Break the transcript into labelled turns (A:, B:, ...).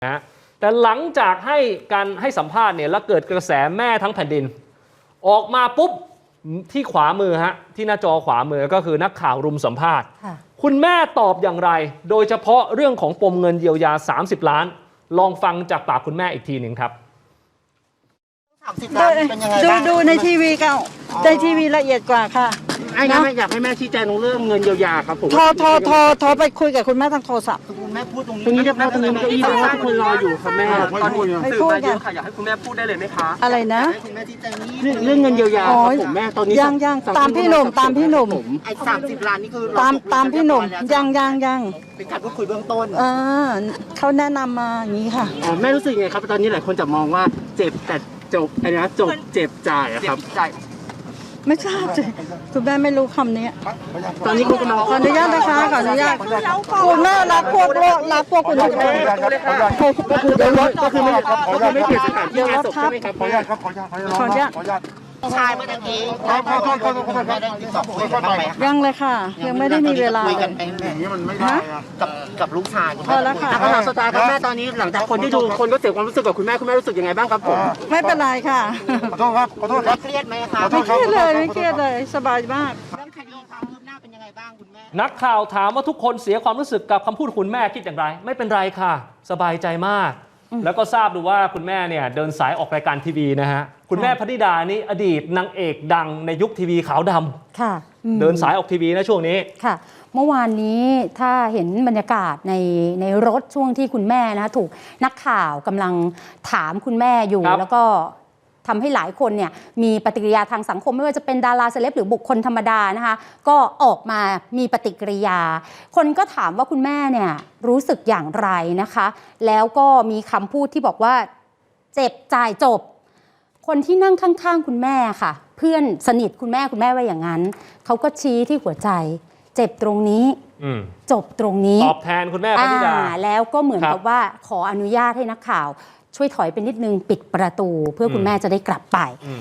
A: นะแต่หลังจากให้สัมภาษณ์เนี่ยแล้วเกิดกระแสแม่ทั้งแผ่นดินออกมาปุ๊บที่ขวามือที่หน้าจอขวามือก็คือนักข่าวรุมสัมภาษณ์คุณแม่ตอบอย่างไรโดยเฉพาะเรื่องของปมเงินเยียวยา30 ล้านลองฟังจากปากคุณแม่อีกทีหนึ่งครับ
B: ดูในทีวีก็ในทีวีละเอียดกว่าค่ะ
C: นะอยากให้แม่ชี้แจงเรื่องเงินเยียวยาครับผม
B: โทรไปคุยกับคุณแม่ทางโทรศัพท์
C: คุณแม่พูดตรงนี้เรียบร้อยตรงนี้มันก็อีกเพราะว่าคนรออยู่ค่ะแม่ตอนนี้
B: สื่อมา
C: เยอะค่ะอยากให้คุณแม่พูดได้เลยไหมคะ
B: อะไรนะ
C: เรื่องเงินเยียวยาครับผมแม่ตอนนี้
B: ยังตามพี่หนุ่ม
C: ไอ้30 ล้านนี่คือ
B: ตามพี่หนุ่มยัง
C: เป็นการพูดคุยเบื้องต้น
B: เขาแนะนำมาอย่างนี้ค่ะ
C: แม่รู้สึกไงครับตอนนี้หลายคนจะมองว่าเจ็บแต่จบอะไรนะจบเจ็บจ่ายครับ
B: ไม่ทราบสิคุณแม่ไม่รู้คำนี้
C: ตอนนี้คุณกำลัง
B: ขออนุญาตนะคะขออนุญาตคุณแม่รับพวกคุณแม่
C: ก็คือไม่เปลี่ยนสถานที่งานศพใช่ไหมครับ
B: ขออนุญาต
C: ชายเมื่อกี้
B: ยังเลยค่ะยังไม่ได้มีเวลา
C: คุยกันไปอย่างนี้มันไม่ได้กับลูกชาย
B: พอแล้วค่ะ
C: คำถามสุดท้ายครับแม่ตอนนี้หลังจากคนที่ดูคนก็เสียความรู้สึกกับคุณแม่รู้สึกยังไงบ้างครับผม
B: ไม่เป็นไรค่ะ
C: ขอโทษครับเครียดไหมครับ
B: ไม่เครียดเลยสบายมาก
C: เรื่องคดีความคืบหน้าเป็นยังไงบ้างคุณแม่
A: นักข่าวถามว่าทุกคนเสียความรู้สึกกับคำพูดคุณแม่คิดอย่างไรไม่เป็นไรค่ะสบายใจมากแล้วก็ทราบดูว่าคุณแม่เนี่ยเดินสายออกรายการทีวีนะฮะคุณแม่พนิดานี่อดีตนางเอกดังในยุคทีวีขาวดำ
D: ค่ะ
A: เดินสายออกทีวีนะช่วงนี้
D: ค่ะเมื่อวานนี้ถ้าเห็นบรรยากาศในรถช่วงที่คุณแม่นะถูกนักข่าวกำลังถามคุณแม่อยู่แล้วก็ทำให้หลายคนเนี่ยมีปฏิกิริยาทางสังคมไม่ว่าจะเป็นดาราเซเลบหรือบุคคลธรรมดานะคะก็ออกมามีปฏิกิริยาคนก็ถามว่าคุณแม่เนี่ยรู้สึกอย่างไรนะคะแล้วก็มีคำพูดที่บอกว่าเจ็บจ่ายจบคนที่นั่งข้างๆคุณแม่ค่ะเพื่อนสนิทคุณแม่ว่าอย่างนั้นเขาก็ชี้ที่หัวใจเจ็บตรงนี้จบตรงนี้
A: ตอบแทนคุณแม่พนิดา
D: แล้วก็เหมือนกับว่าขออนุญาตให้นักข่าวช่วยถอยไปนิดนึงปิดประตูเพื่อคุณแม่จะได้กลับไป